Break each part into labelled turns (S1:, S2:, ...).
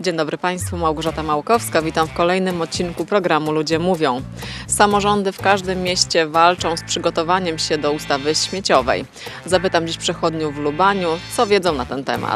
S1: Dzień dobry Państwu, Małgorzata Małkowska. Witam w kolejnym odcinku programu Ludzie Mówią. Samorządy w każdym mieście walczą z przygotowaniem się do ustawy śmieciowej. Zapytam dziś przechodniów w Lubaniu, co wiedzą na ten temat.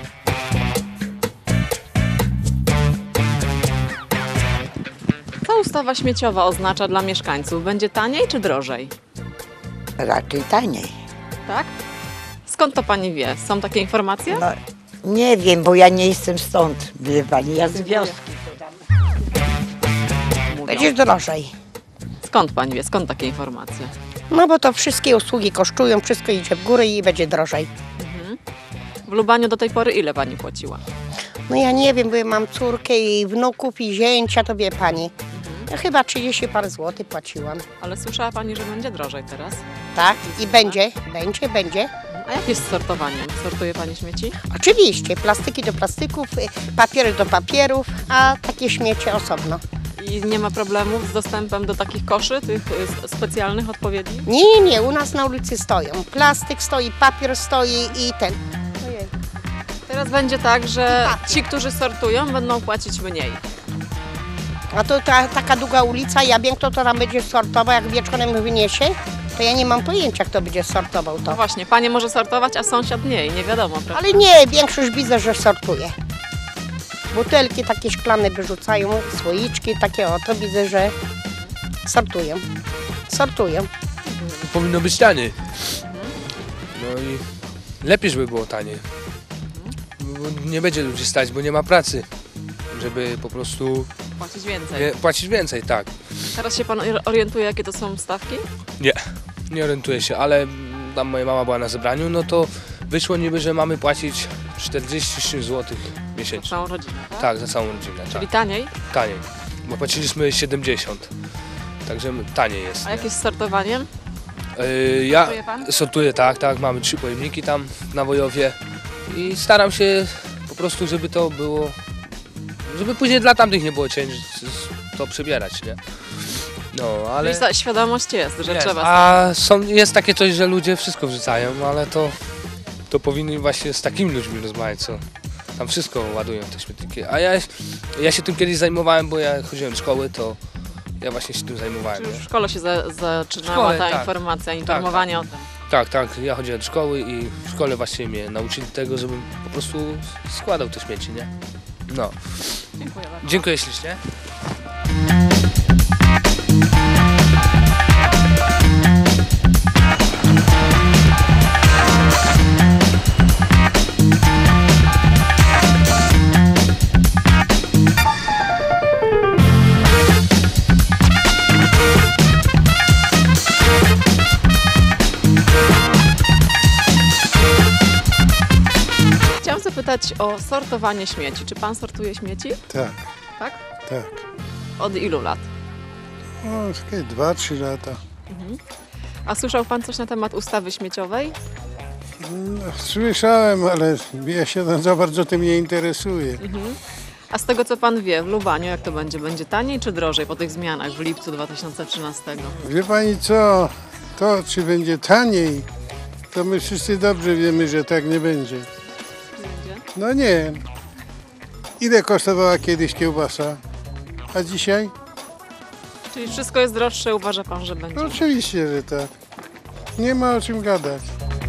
S1: Co ustawa śmieciowa oznacza dla mieszkańców? Będzie taniej czy drożej?
S2: Raczej taniej.
S1: Tak? Skąd to Pani wie? Są takie informacje?
S2: No, nie wiem, bo ja nie jestem stąd, wie pani, ja z wioski. Będzie drożej.
S1: Skąd Pani wie? Skąd takie informacje?
S3: No bo to wszystkie usługi kosztują, wszystko idzie w górę i będzie drożej.
S1: W Lubaniu do tej pory ile Pani płaciła?
S3: No ja nie wiem, bo ja mam córkę i wnuków i zięcia, to wie pani. Ja chyba 30 par złotych płaciłam.
S1: Ale słyszała Pani, że będzie drożej teraz?
S3: Tak? I będzie.
S1: A jak jest z sortowaniem? Sortuje Pani śmieci?
S3: Oczywiście, plastyki do plastyków, papiery do papierów, a takie śmiecie osobno.
S1: I nie ma problemów z dostępem do takich koszy, tych specjalnych, odpowiednich?
S3: Nie, u nas na ulicy stoją. Plastyk stoi, papier stoi i ten. Ojej.
S1: Teraz będzie tak, że
S3: Papier.
S1: ci, którzy sortują, będą płacić mniej.
S3: A to taka długa ulica, ja wiem, kto to tam będzie sortował, jak wieczorem wyniesie, to ja nie mam pojęcia, kto będzie sortował
S1: No
S3: to.
S1: właśnie, Panie może sortować, a sąsiad mniej, nie wiadomo, prawda?
S3: Ale nie, większość widzę, że sortuje. Butelki takie szklane wyrzucają, słoiczki takie oto widzę, że sortują.
S4: Powinno być taniej. No i lepiej, żeby było taniej. Bo nie będzie ludzi stać, bo nie ma pracy, żeby po prostu
S1: Płacić więcej.
S4: płacić więcej, tak.
S1: Teraz się Pan orientuje, jakie to są stawki?
S4: Nie orientuję się, ale tam moja mama była na zebraniu, no to wyszło niby, że mamy płacić 43 zł miesięcznie.
S1: Całą rodzinę, tak?
S4: Tak, za całą rodzinę,
S1: Czyli
S4: tak.
S1: taniej?
S4: Taniej, bo płaciliśmy 70, także taniej jest.
S1: A jak jest z sortowaniem?
S4: Ja
S1: Sortuje Pan?
S4: sortuję, tak, mamy 3 pojemniki tam na Wojowie i staram się po prostu, żeby to było, żeby później dla tamtych nie było cięć to przebierać, nie? No, ale...
S1: Czyli świadomość jest, że
S4: Jest.
S1: trzeba...
S4: A jest takie coś, że ludzie wszystko wrzucają, ale to powinni właśnie z takimi ludźmi rozmawiać, co tam wszystko ładują te śmietniki. A ja się tym kiedyś zajmowałem, bo ja chodziłem do szkoły, to ja właśnie się tym zajmowałem.
S1: Czyli
S4: Nie?
S1: już w szkole się zaczynała
S4: szkole,
S1: ta
S4: tak.
S1: informacja, informowanie o tym.
S4: Tak, ja chodziłem do szkoły i w szkole właśnie mnie nauczyli tego, żebym po prostu składał te śmieci, nie? No.
S1: Dziękuję bardzo.
S4: Dziękuję ślicznie.
S1: Chciałam zapytać o sortowanie śmieci. Czy Pan sortuje śmieci?
S5: Tak,
S1: Tak?
S5: tak.
S1: Od ilu lat?
S5: O, takie 2-3 lata.
S1: A słyszał Pan coś na temat ustawy śmieciowej?
S5: No, słyszałem, ale ja się tam za bardzo tym nie interesuję.
S1: A z tego co Pan wie, w Lubaniu jak to będzie? Będzie taniej czy drożej po tych zmianach w lipcu 2013?
S5: Wie pani co, to czy będzie taniej, to my wszyscy dobrze wiemy, że tak nie będzie.
S1: Będzie?
S5: No nie. Ile kosztowała kiedyś kiełbasa? A dzisiaj?
S1: Czyli wszystko jest droższe, uważa Pan, że będzie?
S5: No, oczywiście, że tak. Nie ma o czym gadać.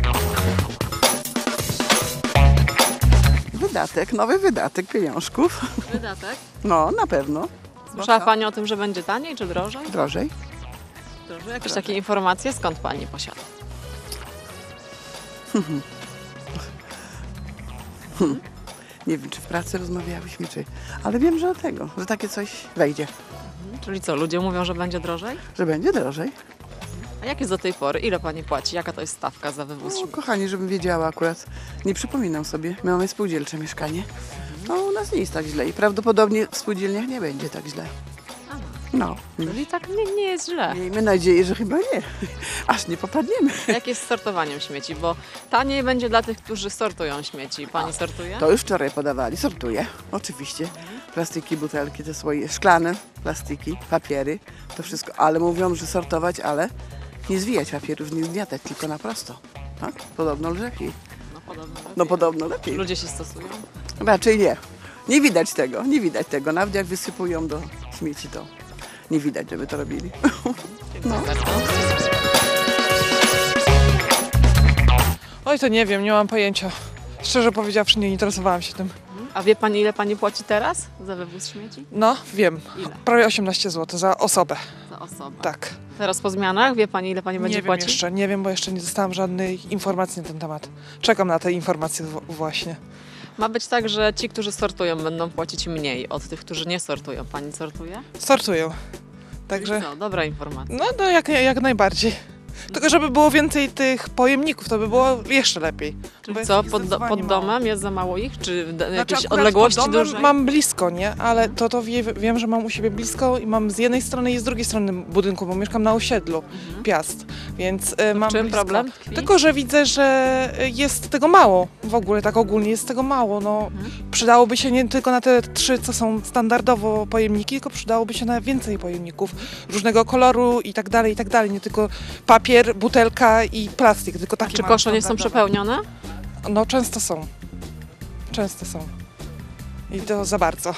S6: Wydatek, nowy wydatek pieniążków.
S1: Wydatek?
S6: No, na pewno.
S1: Słyszała Pani o tym, że będzie taniej czy drożej?
S6: Drożej.
S1: Drożej. Jakieś takie informacje skąd Pani posiada?
S6: Nie wiem, czy w pracy rozmawiałyśmy, ale wiem, że że takie coś wejdzie,
S1: Czyli co, ludzie mówią, że będzie drożej?
S6: że będzie drożej.
S1: A jak jest do tej pory? Ile Pani płaci? Jaka to jest stawka za wywóz
S6: No,
S1: śmieci?
S6: kochani, żebym wiedziała akurat, nie przypominam sobie, my mamy spółdzielcze mieszkanie. No, u nas nie jest tak źle i prawdopodobnie w spółdzielniach nie będzie tak źle. No,
S1: Czyli tak nie jest źle.
S6: miejmy nadzieję, że chyba nie, aż nie popadniemy.
S1: Jak jest z sortowaniem śmieci? Bo taniej będzie dla tych, którzy sortują śmieci. Pani sortuje?
S6: To już wczoraj podawali, sortuję, oczywiście. Plastiki, butelki, te swoje szklane, plastiki, papiery, to wszystko. Ale mówią, że sortować, ale nie zwijać papierów, nie zgniatać, tylko na prosto. Tak? Podobno lepiej.
S1: No podobno lepiej.
S6: No podobno lepiej.
S1: Ludzie się stosują?
S6: Raczej nie. Nie widać tego, nie widać tego. Nawet jak wysypują do śmieci, to nie widać, żeby to robili.
S7: Oj, to nie wiem, nie mam pojęcia. Szczerze powiedziawszy, nie interesowałam się tym.
S1: A wie pani, ile pani płaci teraz za wywóz śmieci?
S7: No, wiem.
S1: Ile?
S7: Prawie 18 zł za osobę.
S1: Za osobę.
S7: Tak.
S1: Teraz po zmianach wie pani, ile pani będzie
S7: Nie wiem
S1: płacić?
S7: jeszcze, nie wiem, bo jeszcze nie dostałam żadnej informacji na ten temat. Czekam na te informacje właśnie.
S1: Ma być tak, że ci, którzy sortują, będą płacić mniej od tych, którzy nie sortują. Pani sortuje?
S7: Sortują. Także,
S1: Co? Dobra informacja.
S7: no jak najbardziej. Tylko żeby było więcej tych pojemników, to by było jeszcze lepiej.
S1: Czyli
S7: Bo jest
S1: co,
S7: ich
S1: pod
S7: zdecydowanie
S1: domem
S7: mało.
S1: jest za mało ich? Czy
S7: Znaczy,
S1: jakieś
S7: akurat
S1: odległości
S7: pod domem
S1: duże?
S7: mam blisko, nie? Ale to wiem, że mam u siebie blisko i mam z jednej strony i z drugiej strony budynku, bo mieszkam na osiedlu Piast, więc mam
S1: W czym
S7: blisko.
S1: problem tkwi?
S7: Tylko, że widzę, że jest tego mało. W ogóle tak ogólnie jest tego mało. No, przydałoby się nie tylko na te 3, co są standardowo pojemniki, tylko przydałoby się na więcej pojemników różnego koloru i tak dalej, nie tylko papier, butelka i plastik, tylko
S1: A
S7: takie
S1: czy
S7: małe
S1: kosze nie są
S7: standardowe.
S1: przepełnione?
S7: No często są. Często są. I to za bardzo.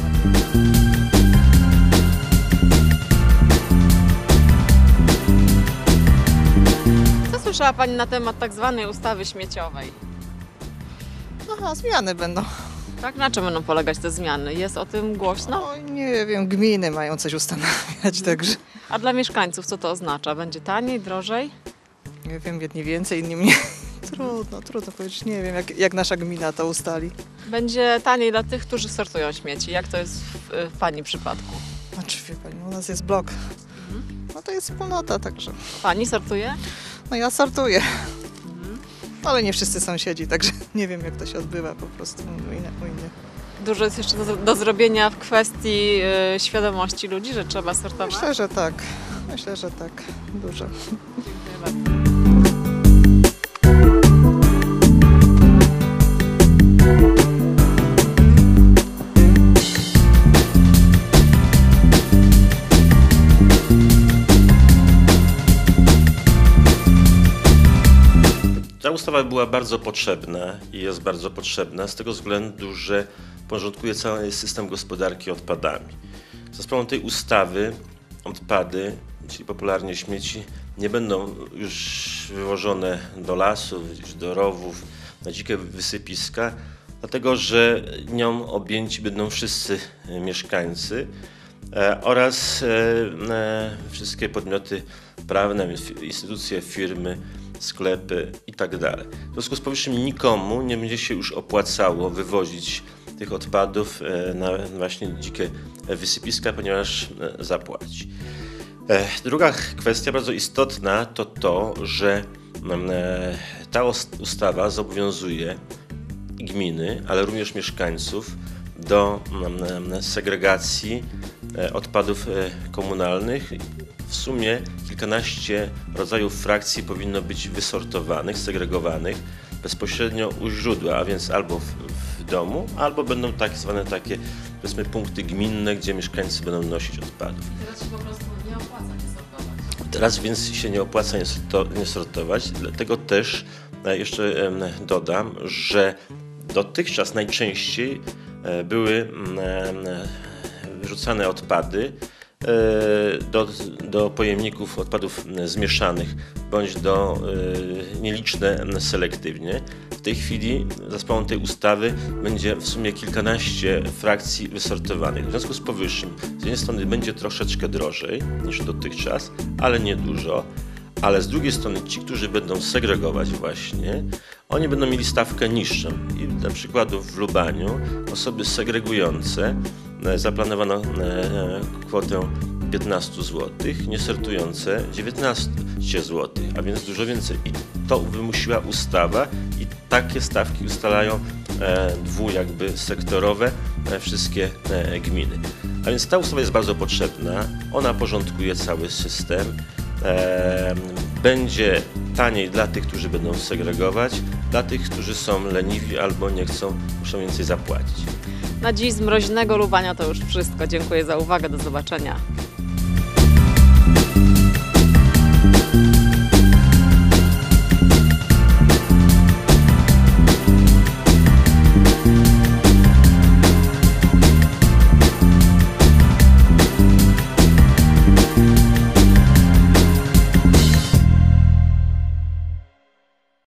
S1: Co słyszała pani na temat tak zwanej ustawy śmieciowej?
S8: Aha, zmiany będą.
S1: Tak? Na czym będą polegać te zmiany? Jest o tym głośno?
S8: Oj, nie wiem, gminy mają coś ustanawiać, także
S1: A dla mieszkańców co to oznacza? Będzie taniej, drożej?
S8: nie wiem, jedni więcej, inni mniej. Trudno powiedzieć, nie wiem, jak nasza gmina to ustali.
S1: Będzie taniej dla tych, którzy sortują śmieci. Jak to jest w pani przypadku?
S8: Znaczy, wie pani, u nas jest blok. No to jest wspólnota, także.
S1: Pani sortuje?
S8: No ja sortuję. Ale nie wszyscy sąsiedzi, także nie wiem, jak to się odbywa po prostu u innych.
S1: Dużo jest jeszcze do zrobienia w kwestii świadomości ludzi, że trzeba sortować?
S8: Myślę, że tak. Dużo.
S1: Dziękuję bardzo.
S9: Ta ustawa była bardzo potrzebna i jest bardzo potrzebna z tego względu, że porządkuje cały system gospodarki odpadami. Za sprawą tej ustawy odpady, czyli popularnie śmieci, nie będą już wywożone do lasów, do rowów, na dzikie wysypiska, dlatego że nią objęci będą wszyscy mieszkańcy oraz wszystkie podmioty prawne, instytucje, firmy, sklepy i tak dalej. W związku z powyższym nikomu nie będzie się już opłacało wywozić tych odpadów na właśnie dzikie wysypiska, ponieważ zapłaci. Druga kwestia bardzo istotna to to, że ta ustawa zobowiązuje gminy, ale również mieszkańców do segregacji odpadów komunalnych. W sumie kilkanaście rodzajów frakcji powinno być wysortowanych, segregowanych bezpośrednio u źródła, a więc albo w domu, albo będą tak zwane takie, powiedzmy, punkty gminne, gdzie mieszkańcy będą nosić odpadów.
S1: Teraz się po prostu nie opłaca nie sortować.
S9: Teraz więc się nie opłaca nie sortować, dlatego też jeszcze dodam, że dotychczas najczęściej były wyrzucane odpady do pojemników odpadów zmieszanych bądź nieliczne selektywnie. W tej chwili za sprawą tej ustawy będzie w sumie kilkanaście frakcji wysortowanych. W związku z powyższym z jednej strony będzie troszeczkę drożej niż dotychczas, ale nie dużo. Ale z drugiej strony ci, którzy będą segregować właśnie, oni będą mieli stawkę niższą. I na przykład w Lubaniu osoby segregujące zaplanowano kwotę 15 zł, niesortujące 19 zł, a więc dużo więcej. I to wymusiła ustawa i takie stawki ustalają sektorowe wszystkie gminy. A więc ta ustawa jest bardzo potrzebna, ona porządkuje cały system. Będzie taniej dla tych, którzy będą segregować, dla tych, którzy są leniwi albo nie chcą, muszą więcej zapłacić.
S1: Na dziś z mroźnego Lubania to już wszystko. Dziękuję za uwagę. Do zobaczenia.